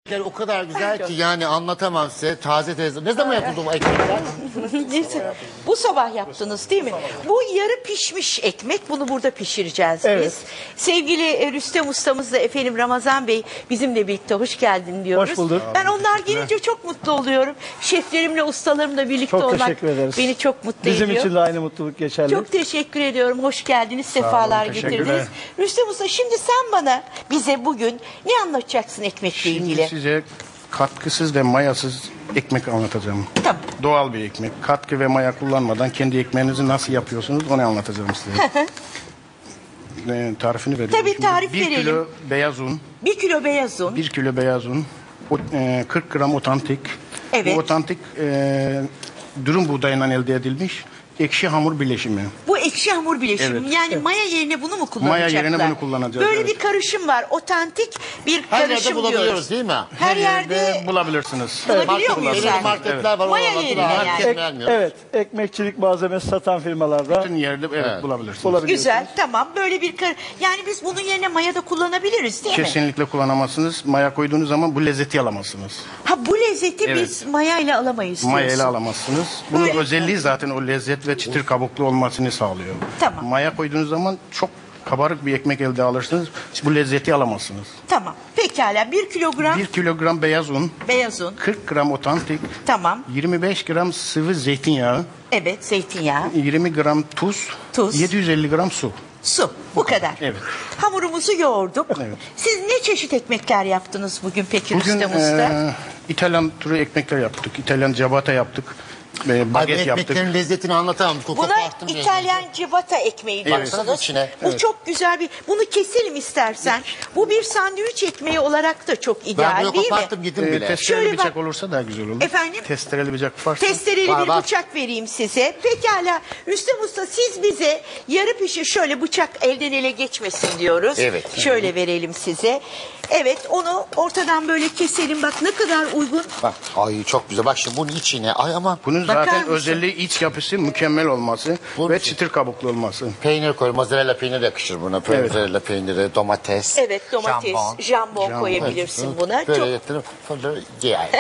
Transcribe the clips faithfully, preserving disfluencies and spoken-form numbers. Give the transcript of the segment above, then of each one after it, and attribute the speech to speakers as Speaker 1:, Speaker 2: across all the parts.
Speaker 1: O kadar güzel ki yani anlatamam size. Taze taze. Ne zaman yapıldı bu ekmekler?
Speaker 2: Bu sabah yaptınız değil mi? Bu yarı pişmiş ekmek. Bunu burada pişireceğiz
Speaker 3: Evet.
Speaker 2: biz. Sevgili Rüstem ustamızla efendim Ramazan Bey bizimle birlikte hoş geldin diyoruz.
Speaker 3: Hoş bulduk.
Speaker 2: Ben onlar gelince çok mutlu oluyorum. Şeflerimle, ustalarımla birlikte
Speaker 3: Çok
Speaker 2: olmak
Speaker 3: teşekkür ederiz.
Speaker 2: beni çok mutlu
Speaker 3: Bizim
Speaker 2: ediyor.
Speaker 3: için de aynı mutluluk geçerli.
Speaker 2: Çok teşekkür ediyorum. Hoş geldiniz. Sefalar
Speaker 3: teşekkürler.
Speaker 2: getirdiniz. Rüstem Usta şimdi sen bana bize bugün ne anlatacaksın ekmekle
Speaker 4: Şimdi
Speaker 2: ilgili?
Speaker 4: size katkısız ve mayasız ekmek anlatacağım.
Speaker 2: Tamam.
Speaker 4: Doğal bir ekmek. Katkı ve maya kullanmadan kendi ekmeğinizi nasıl yapıyorsunuz onu anlatacağım size. e, tarifini veriyorum.
Speaker 2: Tabii,
Speaker 4: Şimdi
Speaker 2: tarif
Speaker 4: bir
Speaker 2: verelim.
Speaker 4: kilo beyaz un,
Speaker 2: Bir kilo beyaz un.
Speaker 4: bir kilo beyaz un, o- e, kırk gram otantik.
Speaker 2: Evet.
Speaker 4: Bu otantik e, durum buğdayından elde edilmiş ekşi hamur bileşimi.
Speaker 2: Bu ekşi hamur bileşimi.
Speaker 4: Evet.
Speaker 2: Yani maya yerine bunu mu kullanacaklar?
Speaker 4: Maya yerine bunu kullanacağız,
Speaker 2: Böyle
Speaker 4: evet.
Speaker 2: bir karışım var. Otantik bir
Speaker 1: Her yerde
Speaker 2: karışım
Speaker 1: bulabiliyoruz
Speaker 2: diyoruz.
Speaker 1: değil mi?
Speaker 2: Her yerde
Speaker 4: bulabilirsiniz.
Speaker 2: bulabiliyor muyuz
Speaker 1: Belirli
Speaker 2: yani?
Speaker 1: marketler var.
Speaker 2: Maya
Speaker 1: oralarda
Speaker 2: yerine
Speaker 1: var.
Speaker 2: yani.
Speaker 1: Herkes
Speaker 3: Ek-
Speaker 1: vermiyor.
Speaker 3: evet, ekmekçilik malzemesi satan firmalarda
Speaker 4: Bütün yerde evet,
Speaker 1: Evet.
Speaker 4: bulabilirsiniz.
Speaker 3: bulabiliyorsunuz.
Speaker 2: Güzel, tamam. Böyle bir kar yani biz bunun yerine maya da kullanabiliriz değil mi?
Speaker 4: Kesinlikle kullanamazsınız. Maya koyduğunuz zaman bu lezzeti alamazsınız.
Speaker 2: Ha bu lezzeti
Speaker 4: Evet.
Speaker 2: biz maya ile alamayız
Speaker 4: Maya ile
Speaker 2: diyorsun.
Speaker 4: alamazsınız. Bunun
Speaker 2: Böyle-
Speaker 4: özelliği zaten o lezzet ve çıtır kabuklu olmasını sağlıyor.
Speaker 2: Tamam.
Speaker 4: Maya koyduğunuz zaman çok kabarık bir ekmek elde alırsınız. Bu lezzeti alamazsınız.
Speaker 2: Tamam. Pekala bir kilogram
Speaker 4: bir kilogram beyaz un,
Speaker 2: beyaz un.
Speaker 4: kırk gram otantik,
Speaker 2: Tamam.
Speaker 4: yirmi beş gram sıvı zeytinyağı,
Speaker 2: Evet, zeytinyağı,
Speaker 4: yirmi gram tuz,
Speaker 2: Tuz.
Speaker 4: yedi yüz elli gram su.
Speaker 2: su. Bu kadar.
Speaker 4: Evet.
Speaker 2: Hamurumuzu yoğurduk.
Speaker 4: Evet.
Speaker 2: Siz ne çeşit ekmekler yaptınız bugün peki
Speaker 4: Bugün
Speaker 2: Rüstem Usta?
Speaker 4: e, İtalyan türü ekmekler yaptık. İtalyan ciabatta yaptık. E,
Speaker 1: Ay, bu
Speaker 4: baget yaptık.
Speaker 1: ekmeklerin lezzetini anlatamam. Koku
Speaker 2: Buna
Speaker 1: farklı bir
Speaker 2: İtalyan civata ekmeği
Speaker 1: Evet.
Speaker 2: diyorsunuz.
Speaker 1: Baksana içine.
Speaker 2: Bu
Speaker 4: Evet.
Speaker 2: çok güzel bir. Bunu keselim istersen. Bu bir sandviç ekmeği olarak da çok
Speaker 1: Ben
Speaker 2: ideal
Speaker 1: bunu
Speaker 2: değil mi?
Speaker 1: koparttım gittim
Speaker 4: E,
Speaker 1: bile.
Speaker 4: testereli
Speaker 2: Şöyle bak-
Speaker 4: bıçak olursa daha güzel olur.
Speaker 2: Efendim?
Speaker 4: Testereli bıçak varsa.
Speaker 2: Testereli
Speaker 1: Var,
Speaker 2: bir
Speaker 1: var.
Speaker 2: bıçak vereyim size. Pekala Rüstem Usta siz bize yarı pişir şöyle bıçak elden ele geçmesin diyoruz.
Speaker 1: Evet.
Speaker 2: Şöyle verelim size. Evet onu ortadan böyle keselim. Bak ne kadar uygun.
Speaker 1: Bak, ay çok güzel. Bak şimdi bunun içine. Ay ama
Speaker 4: Bunun
Speaker 2: Bakar
Speaker 4: zaten
Speaker 2: mısın?
Speaker 4: özelliği iç yapısı mükemmel olması
Speaker 1: Bu-
Speaker 4: ve çıtır kabuklu olması.
Speaker 1: peynir koy. Mozzarella peyniri yakışır buna. Mozzarella peyniri, domates.
Speaker 2: Evet domates,
Speaker 1: jambon.
Speaker 2: jambon,
Speaker 4: Jambon.
Speaker 2: koyabilirsin
Speaker 1: Evet,
Speaker 2: buna.
Speaker 1: Böyle
Speaker 2: Çok
Speaker 1: yatırıp sonra ye yani.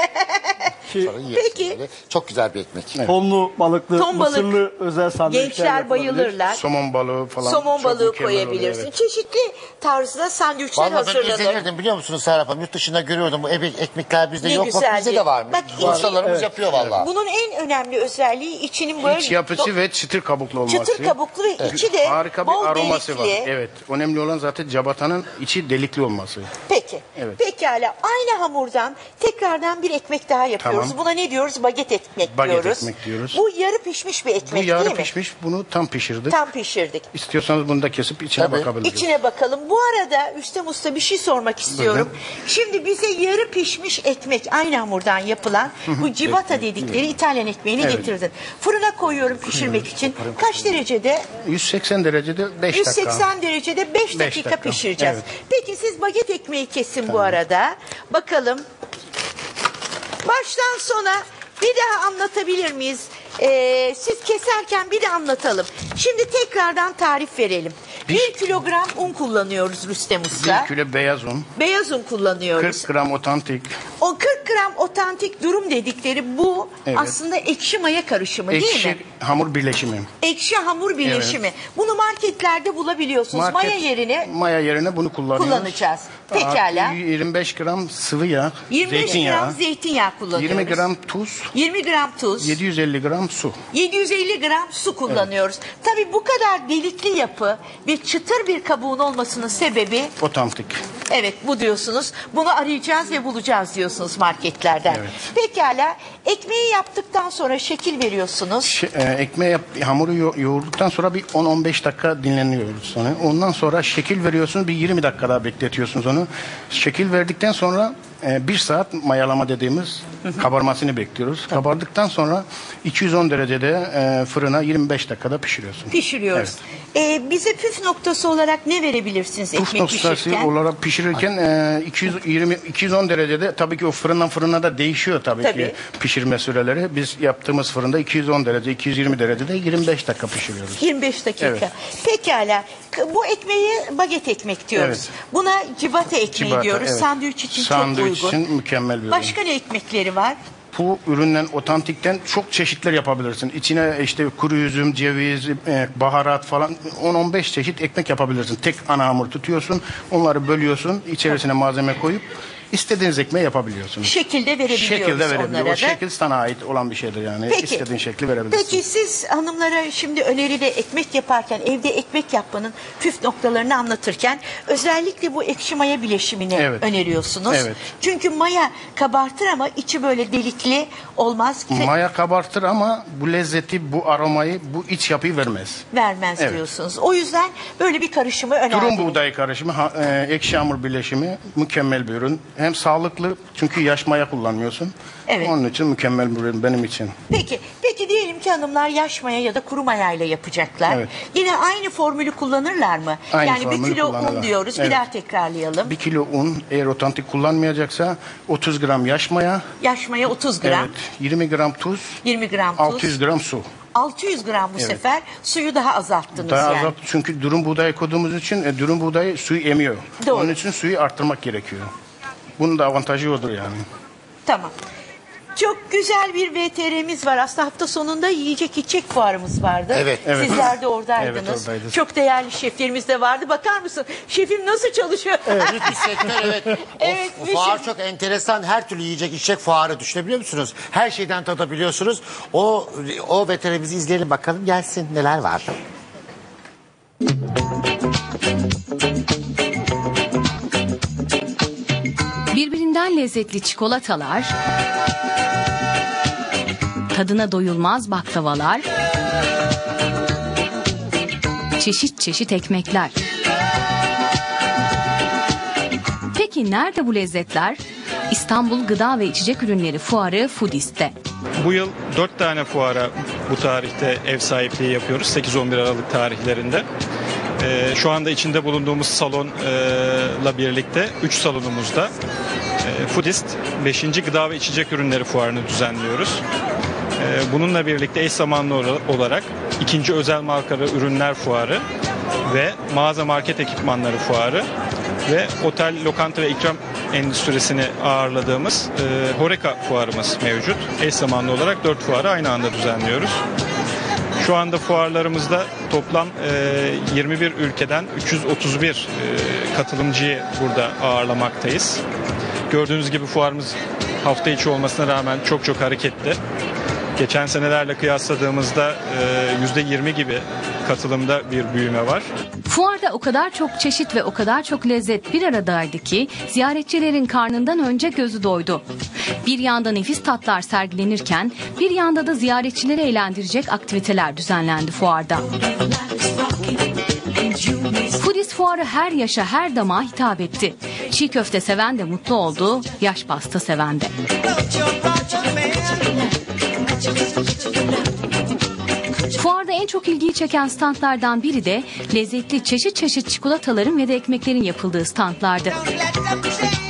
Speaker 3: Ki
Speaker 1: Sonra yiyorsun
Speaker 2: Peki.
Speaker 1: böyle. Çok güzel bir ekmek.
Speaker 3: tonlu balıklı,
Speaker 2: Ton balık.
Speaker 3: mısırlı özel sandviçler
Speaker 2: gençler
Speaker 3: yapılabilir.
Speaker 2: bayılırlar.
Speaker 4: Somon balığı falan.
Speaker 2: Somon
Speaker 4: çok
Speaker 2: balığı
Speaker 4: mükemmel oluyor,
Speaker 2: koyabilirsin.
Speaker 4: evet.
Speaker 2: Çeşitli tarzda sandviçler
Speaker 1: Vallahi ben
Speaker 2: hazırlanır.
Speaker 1: izlenirdim biliyor musunuz Serap Hanım? Yurt dışında görüyordum. Bu ebe- ekmekler bizde
Speaker 2: Ne
Speaker 1: yok. Bak
Speaker 2: güzeldi.
Speaker 1: bizde de varmış.
Speaker 2: Bak,
Speaker 1: Ustalarımız yapıyor vallahi.
Speaker 2: Bunun en önemli özelliği içinin böyle
Speaker 4: İç yapısı ve çıtır kabuklu olması.
Speaker 2: çıtır kabuklu ve içi de
Speaker 4: Harika bir
Speaker 2: bol
Speaker 4: aroması
Speaker 2: delikli.
Speaker 4: var. Evet. Önemli olan zaten cabatanın içi delikli olması.
Speaker 2: Peki.
Speaker 4: Evet.
Speaker 2: Pekala. Aynı hamurdan tekrardan bir ekmek daha yapıyoruz.
Speaker 4: Tamam.
Speaker 2: Buna ne diyoruz? Baget ekmek
Speaker 4: Baget
Speaker 2: diyoruz.
Speaker 4: ekmek diyoruz.
Speaker 2: Bu yarı pişmiş bir
Speaker 4: Bu
Speaker 2: ekmek
Speaker 4: yarı
Speaker 2: değil mi?
Speaker 4: pişmiş. Bunu tam pişirdik.
Speaker 2: Tam pişirdik.
Speaker 4: İstiyorsanız bunu da kesip içine
Speaker 1: Tabii.
Speaker 4: bakabiliriz.
Speaker 2: İçine bakalım. Bu arada Rüstem Usta bir şey sormak istiyorum. Şimdi bize yarı pişmiş ekmek aynı hamurdan yapılan bu civata dedikleri İtalyan ekmeğini
Speaker 4: Evet.
Speaker 2: getirdin. Fırına koyuyorum pişirmek için. Kaç derecede?
Speaker 4: yüz seksen derecede beş dakika.
Speaker 2: yüz seksen derecede beş dakika,
Speaker 4: dakika.
Speaker 2: pişireceğiz.
Speaker 4: Evet.
Speaker 2: Peki siz baget ekmeği kesin bu arada. Bakalım. Baştan sona bir daha anlatabilir miyiz? Ee, siz keserken bir de anlatalım. Şimdi tekrardan tarif verelim. Bir kilogram un kullanıyoruz Rüstem Usta.
Speaker 4: bir kilo beyaz un,
Speaker 2: Beyaz un kullanıyoruz.
Speaker 4: kırk gram otantik,
Speaker 2: O kırk gram otantik durum dedikleri bu
Speaker 4: Evet.
Speaker 2: aslında ekşi maya karışımı değil
Speaker 4: ekşi
Speaker 2: mi?
Speaker 4: hamur birleşimi.
Speaker 2: Ekşi hamur birleşimi. Bunu marketlerde bulabiliyorsunuz.
Speaker 4: Market-
Speaker 2: Maya yerine
Speaker 4: maya yerine bunu kullanıyoruz.
Speaker 2: kullanacağız. Pekala.
Speaker 4: Artı yirmi beş gram sıvı yağ,
Speaker 2: yirmi beş
Speaker 4: zeytinyağı,
Speaker 2: gram zeytinyağı kullanıyoruz.
Speaker 4: yirmi gram tuz,
Speaker 2: yirmi gram tuz.
Speaker 4: yedi yüz elli gram su.
Speaker 2: yedi yüz elli gram su kullanıyoruz. Tabii bu kadar delikli yapı bir çıtır bir kabuğun olmasının sebebi
Speaker 4: Otantik.
Speaker 2: evet bu diyorsunuz. Bunu arayacağız ve bulacağız diyorsunuz marketlerden.
Speaker 4: Evet.
Speaker 2: Pekala ekmeği yaptıktan sonra şekil veriyorsunuz.
Speaker 4: Ş- e, ekmeği yap, hamuru yo- yoğurduktan sonra bir on on beş dakika dinleniyoruz sonra. Ondan sonra şekil veriyorsunuz, bir yirmi dakika daha bekletiyorsunuz onu. Şekil verdikten sonra e, bir saat mayalama dediğimiz kabarmasını bekliyoruz. Kabardıktan sonra iki yüz on derecede e, fırına yirmi beş dakikada pişiriyorsunuz.
Speaker 2: Pişiriyoruz. Ee, bize püf noktası olarak ne verebilirsiniz
Speaker 4: Püf
Speaker 2: ekmek
Speaker 4: noktası
Speaker 2: pişirirken?
Speaker 4: olarak pişirirken e, iki yüz yirmi iki yüz on derecede, tabii ki o fırından fırına da değişiyor tabii,
Speaker 2: Tabii.
Speaker 4: ki pişirme süreleri. Biz yaptığımız fırında iki yüz on derece, iki yüz yirmi derecede yirmi beş dakika pişiriyoruz.
Speaker 2: yirmi beş dakika.
Speaker 4: Evet.
Speaker 2: Pekala. K- Bu ekmeği baget ekmek diyoruz.
Speaker 4: Evet.
Speaker 2: Buna cibata ekmeği
Speaker 4: Ciabatta,
Speaker 2: diyoruz.
Speaker 4: evet.
Speaker 2: Sandviç için
Speaker 4: Sandviç
Speaker 2: çok uygun.
Speaker 4: için mükemmel bir ürün.
Speaker 2: Başka ne ekmekleri var?
Speaker 4: Bu üründen, otantikten çok çeşitler yapabilirsin. İçine işte kuru üzüm, ceviz, e, baharat falan on on beş çeşit ekmek yapabilirsin. Tek ana hamur tutuyorsun, onları bölüyorsun, içerisine malzeme koyup istediğiniz ekmeği yapabiliyorsunuz.
Speaker 2: Şekilde verebiliyoruz
Speaker 4: Şekilde
Speaker 2: onlara
Speaker 4: verebiliyor.
Speaker 2: da.
Speaker 4: O şekil sana ait olan bir şeydir yani.
Speaker 2: Peki.
Speaker 4: İstediğin şekli verebilirsin.
Speaker 2: Peki siz hanımlara şimdi öneride ekmek yaparken, evde ekmek yapmanın püf noktalarını anlatırken özellikle bu ekşi maya bileşimini
Speaker 4: Evet.
Speaker 2: öneriyorsunuz.
Speaker 4: Evet.
Speaker 2: Çünkü maya kabartır ama içi böyle delikli olmaz.
Speaker 4: Maya kabartır ama bu lezzeti, bu aromayı, bu iç yapıyı vermez.
Speaker 2: Vermez
Speaker 4: Evet.
Speaker 2: diyorsunuz. O yüzden böyle bir karışımı önerdiniz.
Speaker 4: Durum buğday karışımı, ha- e, ekşi hamur birleşimi mükemmel bir ürün. Hem sağlıklı çünkü yaş maya kullanmıyorsun.
Speaker 2: Evet.
Speaker 4: Onun için mükemmel bir ürün benim için.
Speaker 2: Peki, peki diyelim ki hanımlar yaş maya ya da kuru mayayla yapacaklar.
Speaker 4: Evet.
Speaker 2: Yine aynı formülü kullanırlar mı?
Speaker 4: Aynı
Speaker 2: yani bir
Speaker 4: formülü
Speaker 2: kilo un
Speaker 4: kullanırlar.
Speaker 2: diyoruz. Bir
Speaker 4: Evet.
Speaker 2: daha tekrarlayalım.
Speaker 4: Bir kilo un eğer otantik kullanmayacaksa otuz gram yaş maya,
Speaker 2: Yaş maya otuz gram,
Speaker 4: evet, yirmi gram tuz,
Speaker 2: yirmi gram tuz,
Speaker 4: altı yüz gram su.
Speaker 2: altı yüz gram bu
Speaker 4: Evet.
Speaker 2: sefer suyu daha azalttınız
Speaker 4: Daha
Speaker 2: yani.
Speaker 4: azalt çünkü durum buğdayı koyduğumuz için e, durum buğdayı suyu emiyor.
Speaker 2: Doğru.
Speaker 4: Onun için suyu arttırmak gerekiyor. Bunun da avantajı odur yani.
Speaker 2: Tamam. Çok güzel bir V T R'miz var. Aslında hafta sonunda yiyecek içecek fuarımız vardı.
Speaker 1: Evet,
Speaker 4: evet.
Speaker 2: Sizler de oradaydınız.
Speaker 4: Evet, oradaydık.
Speaker 2: Çok değerli şeflerimiz de vardı. Bakar mısın? Şefim nasıl çalışıyor?
Speaker 1: Büyük bir sektör, evet.
Speaker 2: Evet,
Speaker 1: O
Speaker 2: bir
Speaker 1: fuar
Speaker 2: şey-
Speaker 1: çok enteresan. Her türlü yiyecek içecek fuarı düşünebiliyor musunuz? Her şeyden tadabiliyorsunuz. O o veterimizi izleyelim bakalım, gelsin neler var.
Speaker 5: Birbirinden lezzetli çikolatalar, tadına doyulmaz baklavalar, çeşit çeşit ekmekler. Peki nerede bu lezzetler? İstanbul Gıda ve İçecek Ürünleri Fuarı Foodist'te.
Speaker 6: Bu yıl dört tane fuara bu tarihte ev sahipliği yapıyoruz. sekiz on bir Aralık tarihlerinde. Ee, şu anda içinde bulunduğumuz salonla birlikte üç salonumuzda e, Foodist beşinci Gıda ve İçecek Ürünleri Fuarı'nı düzenliyoruz. Ee, bununla birlikte eş zamanlı olarak ikinci özel markalı ürünler fuarı ve mağaza market ekipmanları fuarı ve otel, lokanta ve ikram endüstrisini ağırladığımız e, Horeca fuarımız mevcut. Eş zamanlı olarak dört fuarı aynı anda düzenliyoruz. Şu anda fuarlarımızda toplam e, yirmi bir ülkeden üç yüz otuz bir e, katılımcıyı burada ağırlamaktayız. Gördüğünüz gibi fuarımız hafta içi olmasına rağmen çok çok hareketli. Geçen senelerle kıyasladığımızda e, yüzde yirmi gibi katılımda bir büyüme var.
Speaker 5: Fuarda o kadar çok çeşit ve o kadar çok lezzet bir aradaydı ki ziyaretçilerin karnından önce gözü doydu. Bir yanda nefis tatlar sergilenirken bir yanda da ziyaretçileri eğlendirecek aktiviteler düzenlendi fuarda. Foodist fuarı her yaşa her damağa hitap etti. Çiğ köfte seven de mutlu oldu, yaş pasta seven de. Fuarda en çok ilgiyi çeken standlardan biri de lezzetli çeşit çeşit çikolataların ve de ekmeklerin yapıldığı standlardı.